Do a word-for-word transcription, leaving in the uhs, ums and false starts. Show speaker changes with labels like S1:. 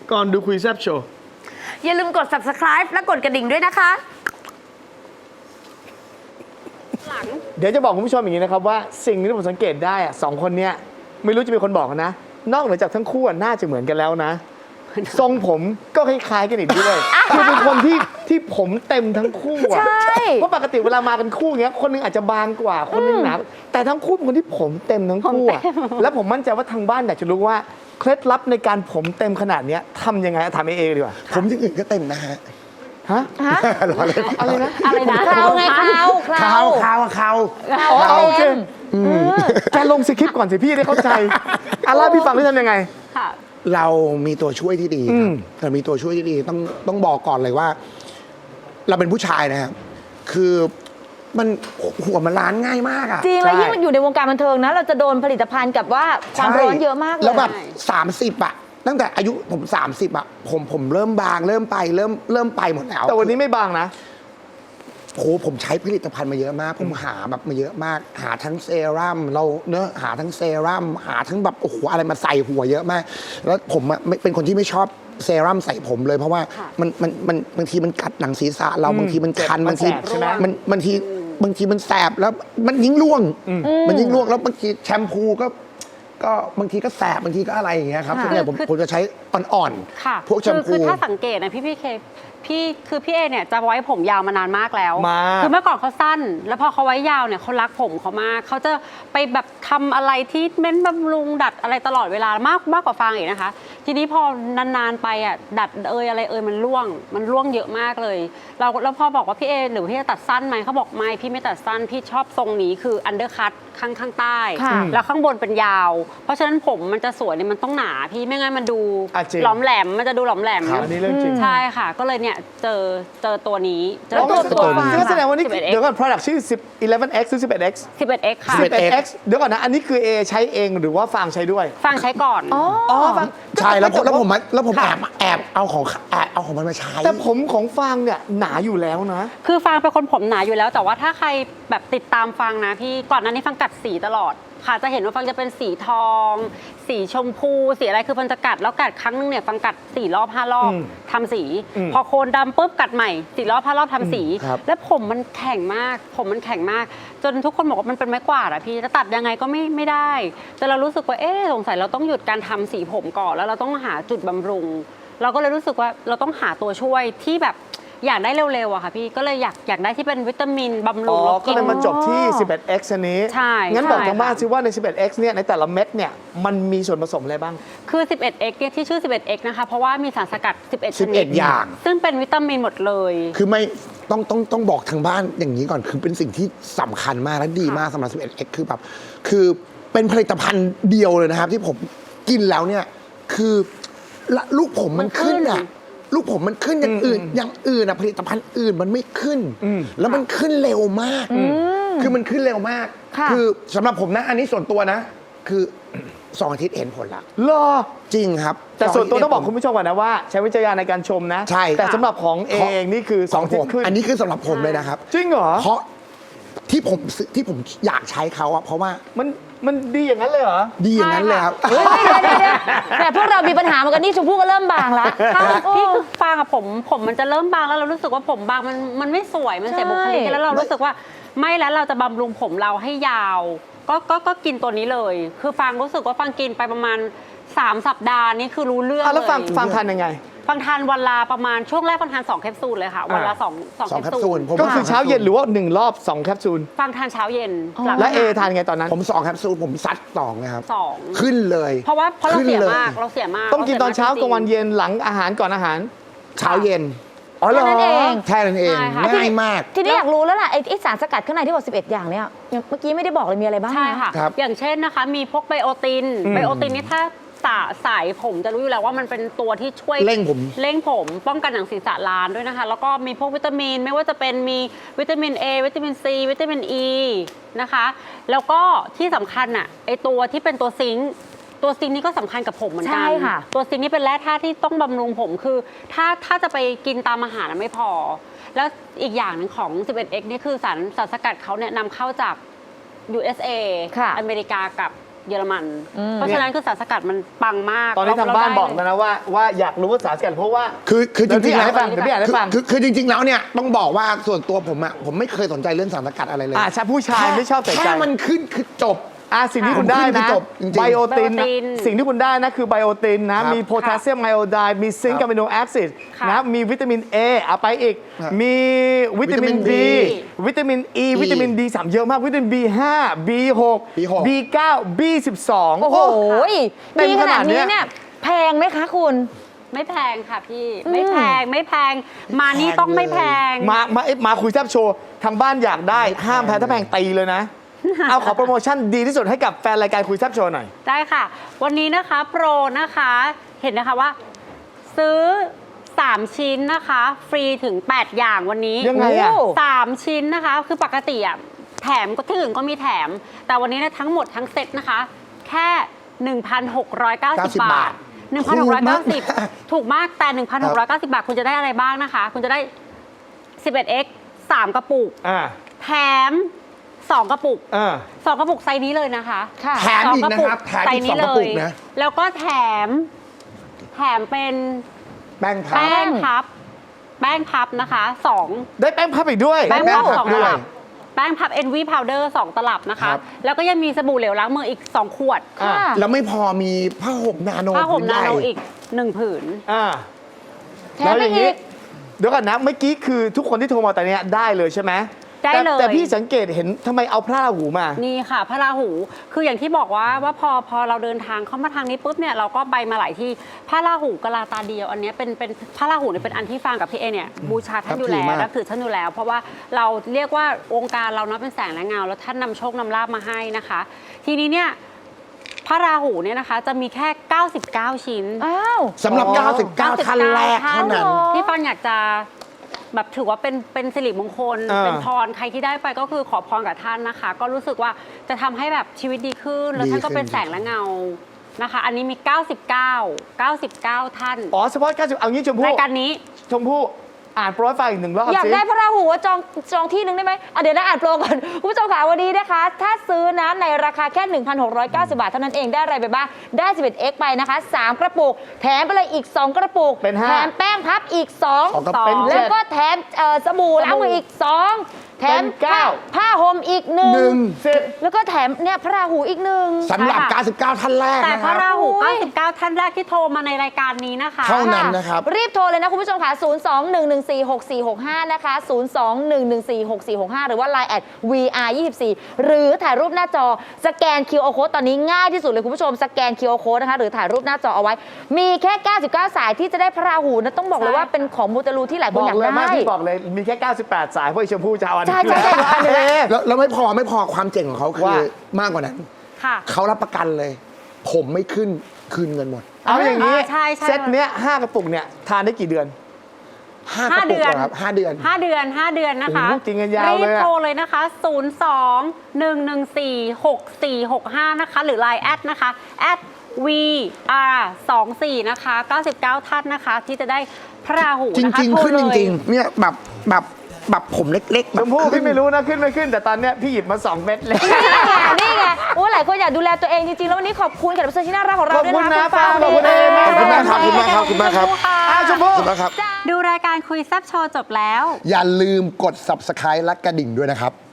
S1: ก่อนดูคุยแซ่บโชว์
S2: อย่าลืมกด ซับสไครบ์ และกดกระดิ่งด้วยนะคะ
S1: เดี๋ยวจะบอกคุณผู้ชมอย่างนี้นะครับว่าสิ่งที่ผมสังเกตได้อะสองคนเนี้ยไม่รู้จะเป็นคนบอกนะนอกเหนือจากทั้งคู่น่าจะเหมือนกันแล้วนะทรงผมก็คล้ายๆกันอีกด้วยคือเป็นคนที่ที่ผมเต็มทั้งคู่อะเพราะปกติเวลามากันคู่เงี้ยคนนึงอาจจะบางกว่าคนนึงหนาแต่ทั้งคู่เป็นคนที่ผมเต็มทั้งคู่อะแล้วผมมั่นใจว่าทางบ้านอยากจะรู้ว่าเคล็ดลับในการผมเต็มขนาดนี้ทำยังไงถามเอเอดีกว่า
S3: ผมอย่างอื่นก็เต็มนะฮะ
S1: ฮะอะไรนะ
S2: อะไรนะคราวไงคราวคราว
S3: คราวคราว
S1: อ๋อโอเคแกลงสคริปต์ก่อนสิพี่ได้เข้าใจอาล่าพี่ฟังได้ทำยังไง
S3: เรามีตัวช่วยที่ดีครับแต่มีตัวช่วยที่ดีต้องต้องบอกก่อนเลยว่า เราเป็นผู้ชายนะครับคือมันหัวมันล้านง่ายมากอะ
S4: จริงแล้วยิ่งอยู่ในวงการบันเทิงนะเราจะโดนผลิตภัณฑ์กับว่าความร้อนเยอะมากเลย
S3: แล้วแบบสามสิบอะตั้งแต่อายุผมสามสิบอะผมผมเริ่มบางเริ่มไปเริ่มเริ่มไปหมดแล้ว
S1: แต่วันนี้ไม่บางนะ
S3: โอ้ผมใช้ผลิตภัณฑ์มาเยอะมากผมหาแบบมาเยอะมากหาทั้งเซรั่มเราเนอะหาทั้งเซรั่มหาทั้งแบบโอ้โหอะไรมาใส่หัวเยอะมากแล้วผมเป็นคนที่ไม่ชอบเซรั่มใส่ผมเลยเพราะว่ามันมันมันบางทีมันกัดหนังศีรษะเราบางทีมันคันบางทีมันบางทีบางทีมันแสบแล้วมันยิ่งร่วงมันยิ่งร่วงแล้วบางทีแชมพูก็ก็บางทีก็แสบบางทีก็อะไรอย่างเงี้ยครับส่วนใหญ่ผมผมจะใช้อ่อนๆพวกแชมพู
S5: คือถ้าสังเกตนะพี่พี่เคพี่คือพี่เอเนี่ยจะไว้ผมยาวมานานมากแล้วคือเมื่อก่อนเขาสั้นแล้วพอเขาไว้ยาวเนี่ยเขารักผมเขามากเขาจะไปแบบทำอะไรที่เม้นบำรุงดัดอะไรตลอดเวลามากมากกว่าฟางอีกนะคะทีนี้พอนานๆไปอ่ะดัดเอยอะไรเอยมันร่วงมันร่วงเยอะมากเลยเราแล้วพอบอกว่าพี่เอหรือพี่จะตัดสั้นไหมเขาบอกไม่พี่ไม่ตัดสั้นพี่ชอบทรงนี้คืออันเดอร์คัทข้างข้างใต้แล้วข้างบนเป็นยาวเพราะฉะนั้นผมมันจะสวยเนี่ยมันต้องหนาพี่ไม่งั้นมันดูหลอมแหลมมันจะดูหลอมแหลมใช่ค่ะก็เลยเนี่ยเจอเจอตัวนี้เจอตัวตัว
S1: ก็แสดงว่านี่เดี๋ยวก่อน product ชื่อสิบ สิบเอ็ด เอ็กซ์ หรือ สิบเอ็ด เอ็กซ์
S5: สิบเอ็ด เอ็กซ์ ค่ะ
S1: สิบเอ็ด เอ็กซ์ เดี๋ยวก่อนนะอันนี้คือ A ใช้เองหรือว่าฟางใช้ด้วย
S5: ฟางใช้ก่อน
S1: อ๋อฟัง
S3: ใช่แล้วแล้วผมแล้วผมแอบแอบเอาของแอบเอาของมันมาใช้
S1: แต่ผมของฟางเนี่ยหนาอยู่แล้วนะ
S5: คือฟางเป็นคนผมหนาอยู่แล้วแต่ว่าถ้าใครแบบติดตามฟางนะพี่ก่อนหน้านี้ฟางกัดสีตลอดค่ะจะเห็นว่าฟังจะเป็นสีทองสีชมพูสีอะไรคือฟังจะกัดแล้วกัดครั้งนึงเนี่ยฟังกัดสี่รอบห้ารอบทำสีพอโคนดำปุ๊บกัดใหม่สี่รอบห้ารอบทำสีแล้วผมมันแข็งมากผมมันแข็งมากจนทุกคนบอกว่ามันเป็นไม้กวาดอะพี่จะตัดยังไงก็ไม่ไม่ได้แต่เรารู้สึกว่าเอ๊ะสงสัยเราต้องหยุดการทำสีผมก่อนแล้วเราต้องหาจุดบำรุงเราก็เลยรู้สึกว่าเราต้องหาตัวช่วยที่แบบอยากได้เร็วๆอะค่ะพี่ก็เลยอยากอยากได้ที่เป็นวิตามินบำรุง
S1: อ๋อก็เลยมาจบที่ สิบเอ็ด เอ็กซ์ อันนี้
S5: ใช่
S1: งั้นบอกทางบ้านซิว่าใน สิบเอ็ด เอ็กซ์ เนี่ยในแต่ละเม็ดเนี่ยมันมีส่วนผสมอะไรบ้าง
S5: คือ สิบเอ็ด เอ็กซ์ เนี่ยที่ชื่อ สิบเอ็ด เอ็กซ์ นะคะเพราะว่ามีสารสกัด สิบเอ็ด ชนิด
S3: อย่าง
S5: ซึ่งเป็นวิตามินหมดเลย
S3: คือไม่ต้องต้องต้องบอกทางบ้านอย่างนี้ก่อนคือเป็นสิ่งที่สำคัญมากและดีมากสำหรับ สิบเอ็ด เอ็กซ์ คือแบบคือเป็นผลิตภัณฑ์เดียวเลยนะครับที่ผมกินแล้วเนี่ยคือลูกผมมันขึ้นอ่ะลูกผมมันขึ้นอย่างอื่นอย่างอื่นอะผลิตภัณฑ์อื่นมันไม่ขึ้นแล้วมันขึ้นเร็วมากคือมันขึ้นเร็วมากคือสำหรับผมนะอันนี้ส่วนตัวนะคือสองอาทิตย์เห็นผลละ
S1: รอ
S3: จริงครับ
S1: แต่ส่วนตัวต้องบอกคุณผู้ชมก่อนนะว่าใช้วิจารณญาณในการชมนะ
S3: ใช่
S1: แต่สำหรับของเองนี่คือสองอาทิตย์ขึ้น
S3: อันนี้คือสำหรับผมเลยนะครับ
S1: จริงเหรอ
S3: เพราะที่ผมที่ผมอยากใช้เขาอะเพราะว่า
S1: มันมันดีอย่างนั้นเลยเหรอ
S3: ดีอย่างนั้นเลยครับ
S4: แต่พวกเรามีปัญหาเหมือนกันนี่ชมพู่ก็เริ่มบางแล้ว
S5: พี่คือฟางกับผมผมมันจะเริ่มบางแล้วเรารู้สึกว่าผมบางมันมันไม่สวยมันเสียบุคลิกแล้วเรารู้สึกว่าไม่แล้วเราจะบำรุงผมเราให้ยาวก็ก็ก็กินตัวนี้เลยคือฟางรู้สึกว่าฟางกินไปประมาณสามสัปดาห์นี่คือรู้เรื่องเลย
S1: แล้วฟางฟางทานยังไง
S5: ฟังทานวันละประมาณช่วงแรกฟังทานสองแคปซูลเลยค่ะวันละสองสองแคปซูล
S1: ก็คือเช้าเย็นหรือว่าหนึ่งรอบสองแคปซูล
S5: ฟังทานเช้าเย็น
S1: แล้วเอทานไงตอนนั้น
S3: ผมสองแคปซูลผมซัดสองนะครับ
S5: สอง
S3: ขึ้นเลย
S5: เพราะว่าเพราะเราเสียมากเราเสียมาก
S1: ต้องกินตอนเช้ากลางวันเย็นหลังอาหารก่อนอาหาร
S3: เช้าเย็น
S1: อ๋อเหรอ
S3: แค่นั้นเองง่ายมาก
S4: ทีนี้อยากรู้แล้วล่ะไอ้สารสกัดข้างในที่บอกสิบเอ็ดอย่างเนี้ยเมื่อกี้ไม่ได้บอกเลยมีอะไรบ้าง
S5: ใช่ค่ะอย่างเช่นนะคะมีพวกไบโอตินไบโอตินนี่ถ้าสายผมจะรู้อยู่แล้วว่ามันเป็นตัวที่ช่วย
S3: เร่งผม
S5: เร่งผมป้องกันหนังศีรษะล้านด้วยนะคะแล้วก็มีพวกวิตามินไม่ว่าจะเป็นมีวิตามิน A วิตามิน C วิตามิน E นะคะแล้วก็ที่สำคัญอ่ะไอตัวที่เป็นตัวซิงค์ตัวซิงค์นี่ก็สำคัญกับผมเหมือนกันตัวซิงค์นี่เป็นแร่ธาตุที่ต้องบำรุงผมคือถ้าถ้าจะไปกินตามอาหารไม่พอแล้วอีกอย่างหนึ่งของ สิบเอ็ด เอ็กซ์ นี่คือสารสารสกัดเขาเนี่ยนำเข้าจาก ยู เอส เอ อเมริกากับเยอรมัน เพราะฉะนั้นคือสารสกัดมันปังมาก
S1: ตอนนี้ทางบ้านบอก
S5: เร
S1: นะนะว่าว่าอยากรู้ว่าสารสกัดเพราะว่า
S3: คือคือจ
S1: เดี๋ยว
S3: ริ
S1: พี่
S3: งๆ
S1: อ่าน
S3: แล้ว
S1: ให้ฟังเดี๋ยวพี่อ่านให้ฟัง
S3: คือคือจริง ๆ แล้วเนี่ยต้องบอกว่าส่วนตัวผมอะผมไม่เคยสนใจเรื่องสารสกัดอะไรเลย
S1: อ่าใช่ผู้ชายไม่ชอบใส่ใจ
S3: แค่มันขึ้นคือจบ
S1: อ่ะสิ่งที่คุณได้
S3: ผมขึ้น
S1: นะ
S3: คือจบจริงๆ
S1: ไบโอติน
S5: ไบโอติน
S1: สิ่งที่คุณได้นะคือไบโอตินนะ
S3: ครับ
S1: มีโพแทสเซียมไอโอไดด์มีซิงค์
S3: ครั
S1: กั
S3: บบ
S1: อะมิโนแอซิด
S5: ค่ะ
S1: นะมีวิตามิน A เอาไปอีก
S3: ครับ
S1: มีวิตามิน
S3: วิตามิน
S1: D
S3: D
S1: วิตามิน E วิตามิน D สามเยอะมาก วิตามิน บี ห้า บี หก
S3: บี หก
S1: บี เก้า บี สิบสอง
S4: โอ้โห
S1: เต็ม
S4: ดี
S1: ข
S4: ข
S1: นา
S4: นา
S1: ด
S4: ด
S1: เนี้
S4: นี้
S1: ย
S4: เนี่ยแพงไหมคะคุณ
S5: ไม่แพงค่ะพี่ ไม่แพงไม่แพง มานี่ต้องไม่แพง
S1: มามาเอ๊ะมาคุยแซบโชว์ทางบ้านอยากได้ห้ามแพ้ถ้าแพงตีเลยนะ เอาขอโปรโมชั่นดีที่สุดให้กับแฟนรายการคุยแซบโชว์หน่อย
S5: ได้ค่ะ วันนี้นะคะโปรนะคะเห็นนะคะว่า ซื้อ สาม ชิ้นนะคะ ฟรีถึง แปด อย่างวันนี้
S1: ยังไงอะ
S5: โสามชิ้นนะคะ คือปกติอ่ะแถมก็ที่อื่นก็มีแถม แต่วันนี้เนยทั้งหมดทั้งเซ็ตนะคะ แค่ หนึ่งพันหกร้อยเก้าสิบ บาท หนึ่งพันหกร้อยเก้าสิบ ถูกมากแต่ หนึ่งพันหกร้อยเก้าสิบ บาท คุณจะได้อะไรบ้างนะคะ คุณจะได้ สิบเอ็ดเอ็กซ์ สาม กระปุก
S1: อ่า
S5: แถม สอง กระปุก
S1: อ่า
S5: สองกระปุกไซส์นี้เลยนะคะ
S4: ค่ะ
S3: แถมอีกนะครับแถม
S5: ไซ
S3: อี
S5: ส์
S3: กส
S5: นี้
S3: องก
S5: เล
S3: ระปุ
S5: ย
S3: กนะ
S5: แล้วก็แถม แถมเป็น
S3: แป้งพับ
S5: แป้งพับ แป้งพับนะคะสอง
S1: ได้แป้งพับอีกด้วย
S5: แป้งพับ
S3: แป้งพับ
S5: สอง
S3: ด้
S5: ต
S3: วย
S5: ลับ แป้งพับ เอ็น วี Powder สอง ตลับนะ
S3: ครั
S5: คะ
S3: บ
S5: แล้วก็ยังมีสบู่เหลวล้างมืออีก สอง ขวด
S1: อ่า
S3: แล้วไม่พอมีผ้าห่มนาโน
S5: ผ้าห่ม
S3: ผื
S5: นา
S3: ใหญ่
S5: โนอีกหนึ่งผืน
S1: อ่า
S4: แถมไปอีก
S1: เดี๋ยวก่อนนะ เมื่อกี้คือทุกคนที่โทรมาแต่เนี้ยได้เลยใช่ไหม
S5: ได้
S1: แต่
S5: เลย
S1: แต่พี่สังเกตเห็นทำไมเอาพระราหูมา
S5: นี่ค่ะพระราหู คืออย่างที่บอกว่าว่าพอพอเราเดินทางเข้ามาทางนี้ปุ๊บเนี่ยเราก็ไปมาหลายที่พระราหูกะลาตาเดียว อันเนี้ยเป็นเป็นพระราหูเนี่ยเป็นอันที่ฟางกับพี่เอเนี่ยบูชาท่านอยู่แล้ว
S3: นับถือมาก
S5: นับถือท่านอยู่แล้ว เพราะว่าเราเรียกว่าวงการเราเนาะเป็นแสงและเงาแล้วท่านนำโชคนำลาภมาให้นะคะ ทีนี้เนี่ยพระราหูเนี่ยนะคะจะมีแค่ เก้าสิบเก้า ชิ้น
S4: อ้าว
S3: สำหรับ
S1: อ๋อ
S3: เก้าสิบเก้า ท่านแรกเท่านั้น
S5: ที่ฟังอยากจะแบบถือว่าเป็นเป็นสิริมงคล
S1: อ่า
S5: เป็นพรใครที่ได้ไปก็คือขอพรกับท่านนะคะ ก็รู้สึกว่าจะทำให้แบบชีวิตดีขึ้น แล้วท่านก็เป็นแสงและเงานะคะ อันนี้มี เก้าสิบเก้า เก้าสิบเก้า ท่าน
S1: อ๋อเฉพาะเก้าสิบเอางี้ชมพู่
S5: รายการนี้
S1: ชมพู่อ่านโปรไฟล์อีกหนึ่งรอบ
S4: อยาก
S1: สิ
S4: ได้พระราหูว่าจองจองที่หนึ่งได้ไหมอ่ะเดี๋ยวนะอ่านโปรก่อนคุณผู้ชมค่ะวันนี้นะคะ ถ้าซื้อนะในราคาแค่ หนึ่งพันหกร้อยเก้าสิบ บาทเท่านั้นเองได้อะไรไปบ้าง ได้ สิบเอ็ดเอ็กซ์ ไปนะคะ สาม กระปุก แถมไปเลยอีก สอง กระปุก
S1: เป็นห้า
S4: แถมแป้งพับอีก สอง
S3: สองกระปุก
S1: เป็นเจ็
S4: แล้ว
S1: ด
S4: ก็แถมเอ่อสบู่ล้างมืออีก สอง แถม
S1: เป็นเก้า
S4: ผ้าห่มอีกหนึ่
S3: หนึ่ง
S1: สิบ
S4: แล้วก็แถมเนี่ยพระราหูอีกหนึ่ง
S3: สำหรับ
S5: ใช่ค่ะ
S3: เก้าสิบเก้า ท่านแรก
S5: แต่
S3: นะ
S5: พ
S3: ค
S5: ระ
S3: รับ
S5: ราหู
S4: โอ้ย
S5: เก้าสิบเก้า ท่านแรกที่โทรมาในรายการนี้นะคะ
S3: เท่านั้นนะครับ
S4: รีบโทรเลยนะคุณผู้ชมค่ะ ศูนย์ สอง หนึ่ง หนึ่ง สี่ หก สี่ หก ห้า นะคะ ศูนย์ สอง หนึ่ง หนึ่ง สี่ หก สี่ หก ห้า หรือว่า ไลน์ แอท วี อาร์ ยี่สิบสี่ หรือถ่ายรูปหน้าจอ สแกน คิว อาร์ Code ตอนนี้ง่ายที่สุดเลยคุณผู้ชม สแกน คิว อาร์ Code นะคะ หรือถ่ายรูปหน้าจอเอาไว้ มีแค่ เก้าสิบเก้า สายที่จะได้พระราหูนะ ต้องบอกเลยว่าเป็นของมูเตลูที่หลายค
S1: บ
S4: น
S1: อ
S4: อยาก ก
S1: เลย
S4: ได้
S1: มากพี่บอกเลยมีแค่ เก้าสิบแปด สายเพราะไอ้ชมพู่จะเอาอัน
S4: ใช่ใช่ใช่
S1: อันนี้
S3: แล้วแล้วไม่พอไม่พอความเจ๋งของเขาคือ
S1: ว่า
S3: มากกว่านั้น
S5: ค่ะ
S3: เขารับประกันเลย ผมไม่ขึ้นคืนเงินหมด
S1: เอาอย่างนี้
S5: อ่าใช่ใช่
S1: เซตเนี้ยห้ากระปุกเนี่ยทานได้กี่เดือน
S3: ห้ากระปุกเหรอครับห้าเดือน
S5: ห้าเดือนห้าเดือนนะคะ
S1: โอ้โหกินกันยาวเลยอะ
S5: รีบโทรเลยนะคะ ศูนย์ สอง หนึ่ง หนึ่ง สี่ หก สี่ หก ห้า นะคะ หรือ ไลน์ แอดนะคะ แอด วี อาร์ สอง สี่ นะคะ เก้าสิบเก้า ท่านนะคะ ที่จะได้พระราหู
S3: จ
S5: นะคะ
S3: ริง
S5: โท
S3: ๆ ขึ้น
S5: เล
S3: จ
S5: ย
S3: ริง ๆ เนี่ยแบบแบบแบบผมเล็กๆแบ
S1: ช
S3: บ
S1: มพู่
S3: ขึ้
S1: พี่
S3: น
S1: ไม่รู้นะขึ้นไม่ขึ้น แต่ตอนเนี้ยพี่หยิบมาสองเม็ดเลย
S4: นี่ไงนี่ไงโอ้หลายคนอยากดูแลตัวเองจริงๆ แล้ววันนี้ขอบคุณแขกรับเชิญที่น่ารักของเราด้วย
S1: ขอบคุณ
S4: นะ
S1: นะ
S4: คุณฟาง
S1: ขอบคุณเอมาก
S3: ขอบคุณมากครับขอบคุณมากครับขอบคุณมากครับ
S1: อ้าวชมพู่
S3: ขอบคุณมากครับ
S5: ดูรายการคุยแซบโชว์จบแล้ว
S3: อย่าลืมกด ซับสไครบ์ และกระดิ่งด้วยนะครับ